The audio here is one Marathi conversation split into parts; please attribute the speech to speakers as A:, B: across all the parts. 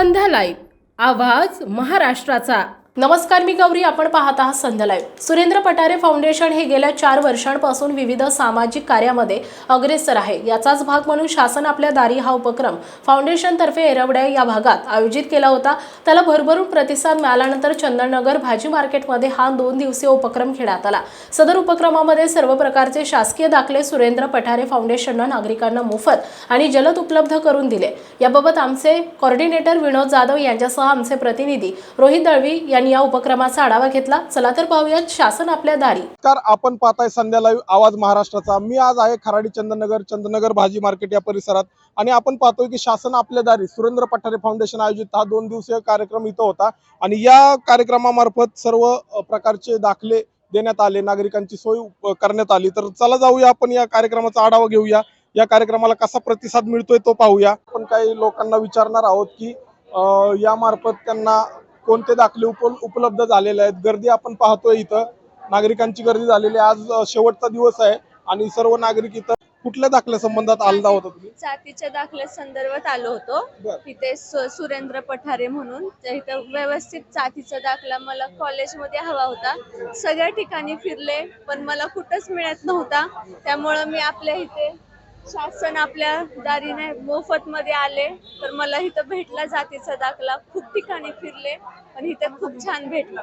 A: संध्या लाईव्ह आवाज महाराष्ट्राचा। नमस्कार, मी गौरी, आपण पाहत आहात संध्या लाईव्ह। सुरेंद्र पठारे फाउंडेशन हे गेल्या 4 वर्षांपासून विविध सामाजिक कार्यामध्ये अग्रेसर आहे। याचाच भाग म्हणून शासन आपल्या दारी हा उपक्रम फाउंडेशन तर्फे एरवड्या या भागात आयोजित केला होता। त्याला भरभरून प्रतिसाद मिळाल्यानंतर चंदननगर भाजी मार्केटमध्ये हा 2 दिवसीय उपक्रम घेण्यात आला। सदर उपक्रमामध्ये सर्व प्रकारचे शासकीय दाखले सुरेंद्र पठारे फाउंडेशनने नागरिकांना मोफत आणि जलद उपलब्ध करून दिले। याबाबत आमचे कोऑर्डिनेटर विनोद जाधव यांच्यासह आमचे प्रतिनिधी रोहित दळवी यांनी या उपक्रमाचा आढावा घेतला। चला तर पाहूयात शासन आपल्या दारी।
B: तर आपण पाहताय संध्या लाईव्ह आवाज महाराष्ट्राचा। मी आज आहे खराडी चंदननगर भाजी मार्केट या परिसरात आणि आपण पाहतोय की शासन आपल्या दारी सुरेंद्र पठारे फाउंडेशन आयोजित हा 2 दिवसीय कार्यक्रम इथं होता आणि या कार्यक्रमामार्फत सर्व प्रकारचे दाखले देण्यात आले, नागरिकांची सोय करण्यात आली। तर चला जाऊया, आपण या कार्यक्रमाचा आढावा घेऊया, या कार्यक्रमाला कसा प्रतिसाद मिळतोय तो पाहूया। आपण काही लोकांना विचारणार आहोत की यामार्फत त्यांना कोणते दाखले उपलब्ध झालेले आहेत। गर्दी आपण पाहतोय, इथं नागरिकांची गर्दी झालेली आहे। आज शेवटचा दिवस आहे आणि सर्व नागरिक इथं कुठल्या दाखल्या संबंधात आला होता तुम्ही?
C: जातीच्या दाखल्या संदर्भात आलो होतो। इथे सुरेंद्र पठारे म्हणून इथे व्यवस्थित जातीचा दाखला मला कॉलेजमध्ये हवा होता। सगळ्या ठिकाणी फिरले पण मला कुठंच मिळत नव्हता। त्यामुळे मी आपल्या इथे शासन आपल्या दारीने मोफत मध्ये आले तर मला इथं भेटला जातीचा दाखला। खूप ठिकाणी फिरले पण इथे खूप छान भेटला।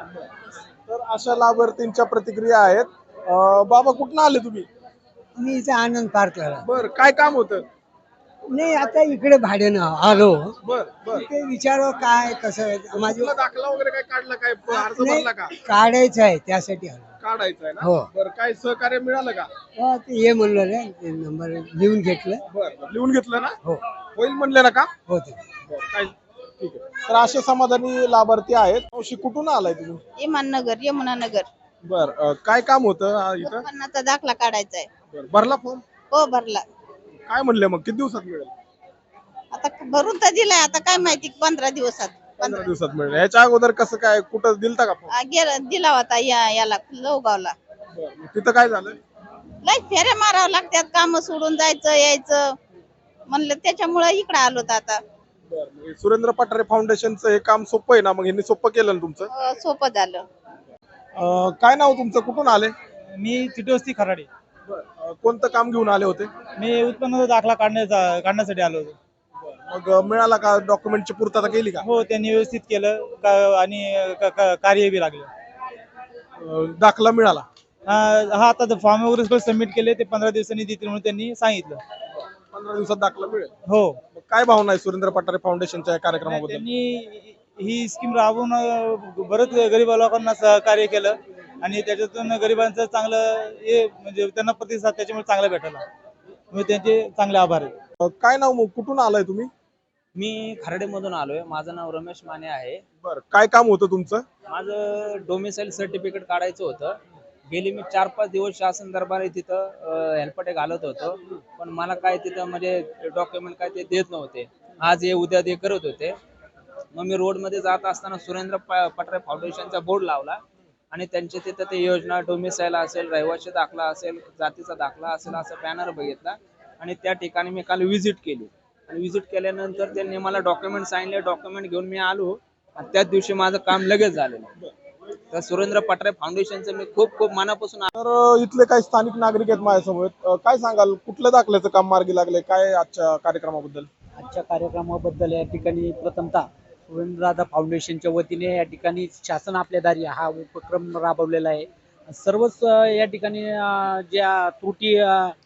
B: तर अशा लाभार्थींच्या प्रतिक्रिया आहेत। बाबा, कुठून आले तुम्ही?
D: मी इथे आनंद पार्कला.
B: बर, काय काम होतं?
D: नाही, आता इकडे भाड्यानं आलो.
B: बर बर,
D: ते विचारो काय कसं माझी
B: तुला दाखला वगैरे काय काढला, काय अर्ज
D: नाही,
B: भरला का?
D: काढायचं आहे त्यासाठी आलो.
B: काढायचं आहे ना?
D: हो.
B: बर, काय सहकार्य मिळालं का?
D: ते ये म्हणलं रे, ते नंबर लिहून घेतलं.
B: बर, लिहून घेतलं ना?
D: हो
B: होईल म्हणले ना का?
D: होते.
B: बर, काय ठीक आहे। तर असे समाधानी लाभार्थी आहेत। मावशी, कुठून आलाय तुम्ही?
E: इमाननगर, यमुनानगर.
B: बर, काय काम होतं इथं?
E: उत्पन्नाचा दाखला काढायचा आहे.
B: बर, भरला फॉर्म?
E: हो, भरला.
B: काय म्हणले मग, किती दिवसात मिळेल?
E: आता भरून तर दिलाय, आता काय माहिती 15 दिवसात.
B: 15 दिवसात मिळेल। ह्याच्या अगोदर कसं काय, कुठं दिलता का फॉर्म?
E: दिला होता याला लोगावला.
B: बर, मग तिथं काय झालं?
E: लय फेऱ्या मारावं लागतात, काम सोडून जायचं यायचं म्हणलं, त्याच्यामुळे इकडे आलो आता.
B: बर, मग सुरेंद्र पठारे फाउंडेशनचं हे काम सोपं आहे ना? मग यांनी सोपं केलं ना तुमचं?
E: सोपं झालं.
B: काय नाव तुमचं, कुठून आले?
F: मी चिटोस्ती खराडी.
B: कोणतं काम घेऊन आले होते?
F: मी उत्पन्नाचा दाखला काढण्यासाठी आलो होतो.
B: मग मिळाला का? डॉक्युमेंटची पूर्तता केली का?
F: हो, त्यांनी व्यवस्थित केलं आणि कार्य बी लागलं.
B: दाखला मिळाला?
F: हा, आता फॉर्म वगैरे सबमिट केले, ते 15 दिवसांनी देतील म्हणून त्यांनी सांगितलं.
B: 15 दिवसात दाखला मिळेल?
F: हो.
B: मग काय भावना आहे सुरेंद्र पठारे फाउंडेशनच्या या कार्यक्रमाबद्दल?
F: त्यांनी ही स्कीम राबवून बरंच गरीब लोकांना सहकार्य केलं आणि त्याच्यातून गरिबांचं चांगलं हे म्हणजे त्यांना प्रतिसाद त्याच्यामुळे चांगला भेटला, म्हणजे त्यांचे चांगले आभार आहे.
B: काय नाव, मग कुठून आलाय तुम्ही?
G: मी खराडेमधून आलोय. माझं नाव रमेश माने आहे.
B: बर, काय काम होतं तुमचं?
G: माझं डोमिसाईल सर्टिफिकेट काढायचं होतं. गेली मी 4-5 दिवस शासन दरबारी तिथं हेल्पटे घालत होतो, पण मला काय तिथं म्हणजे डॉक्युमेंट काय ते देत नव्हते. आज हे उद्या ते करत होते. मग मी रोडमध्ये जात असताना सुरेंद्र पठारे फाउंडेशनचा बोर्ड लावला आणि त्यांचे तिथं ते योजना डोमिसाईल असेल, रहिवासी दाखला असेल, जातीचा दाखला असेल, असं बॅनर बघितला आणि त्या ठिकाणी मी काल व्हिजिट केली आणि व्हिजिट केल्यानंतर त्यांनी मला डॉक्युमेंट सांगितले. डॉक्युमेंट घेऊन मी आलो आणि त्याच दिवशी माझं काम लगेच झालेलं. तर सुरेंद्र पठारे फाउंडेशनचं मी खूप खूप मनापासून
B: तर इथले काही स्थानिक नागरिक आहेत माझ्यासमोर, काय सांगाल, कुठल्या दाखल्याचं काम मार्गी लागले, काय आजच्या कार्यक्रमाबद्दल?
H: आजच्या कार्यक्रमाबद्दल या ठिकाणी प्रथमतः सुरेंद्रदादा फाउंडेशनच्या वतीने या ठिकाणी शासन आपल्या दारी हा उपक्रम राबवलेला आहे. सर्वच या ठिकाणी ज्या त्रुटी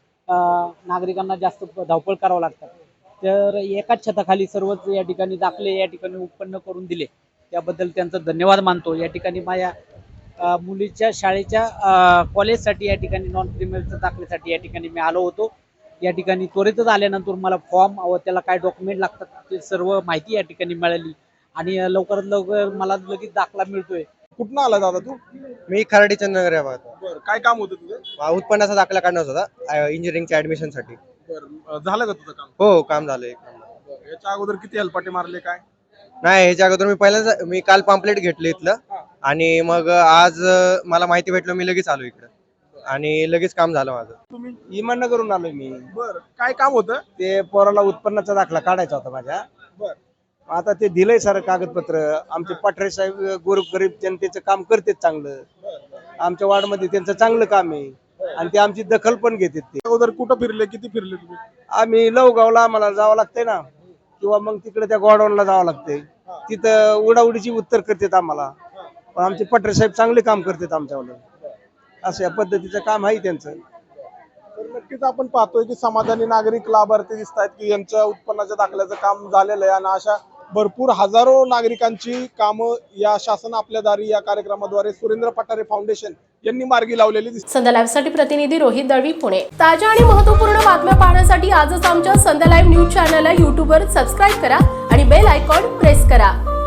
H: नागरिकांना जास्त धावपळ करावं लागतात, तर एकाच छताखाली सर्वच या ठिकाणी दाखले या ठिकाणी उत्पन्न करून दिले, त्याबद्दल त्यांचा धन्यवाद मानतो. या ठिकाणी माझ्या मुलीच्या शाळेच्या कॉलेजसाठी या ठिकाणी नॉन क्रिमिनलच्या दाखल्यासाठी या ठिकाणी मी आलो होतो. या ठिकाणी त्वरितच आल्यानंतर मला फॉर्म व त्याला काय डॉक्युमेंट लागतात ते सर्व माहिती या ठिकाणी मिळाली आणि लवकरात लवकर मला लगेच दाखला मिळतोय.
B: कुठून आला दादा तू?
I: मी खराडी चंदननगर या भागात.
B: बर, काय काम होतं तुझं?
I: उत्पन्नाचा दाखला काढण्याचा होता इंजिनिअरिंगच्या ऍडमिशन साठी.
B: बर, झालं का तुझं काम?
I: हो, काम झालंय.
B: याच्या अगोदर किती हेल्पाटे मारले काय?
I: नाही, ह्याच्या अगोदर मी काल पॉम्पलेट घेतलं इथलं आणि मग आज मला माहिती भेटलं, मी लगेच आलो इकडं आणि लगेच काम झालं माझं.
B: तुम्ही?
D: इमाननगरून आलोय मी.
B: बर, काय काम होतं?
D: ते पोराला उत्पन्नाचा दाखला काढायचा होता माझ्या.
B: बर,
J: आता ते दिलंय सारं कागदपत्र. आमचे पठारे साहेब गोरगरीब जनतेचं काम करतात चांगलं. आमच्या वार्डमध्ये त्यांचं चांगलं काम आहे आणि ते आमची दखल पण घेतात. ते
B: अगोदर कुठं फिरले, किती फिरले तुम्ही?
J: आम्ही लवगावला आम्हाला जावं लागतंय ना, किंवा मग तिकडे त्या गोडाऊनला जावं लागतंय. तिथं उडाउडीची उत्तर करतात आम्हाला, पण आमचे पठारे साहेब चांगले काम करतात आमच्यावर. असं या पद्धतीचं काम आहे त्यांचं.
B: तर नक्कीच आपण पाहतोय की समाधानी नागरिक लाभार्थी दिसत आहेत की यांच्या उत्पन्नाच्या दाखल्याचं काम झालेलं आहे आणि अशा भरपूर हजारो नागरिकांची कामं या शासन आपल्या दारी या कार्यक्रमाद्वारे सुरेंद्र पठारे फाउंडेशन यांनी मार्गी लावलेली दिसतात.
A: संध्या लाईव्ह साठी प्रतिनिधी रोहित दळवी, पुणे. ताज्या आणि महत्त्वपूर्ण बातम्या पाहण्यासाठी आजच आमच्या संध्या लाईव्ह न्यूज चॅनलला YouTube वर सबस्क्राईब करा आणि बेल आयकॉन प्रेस करा.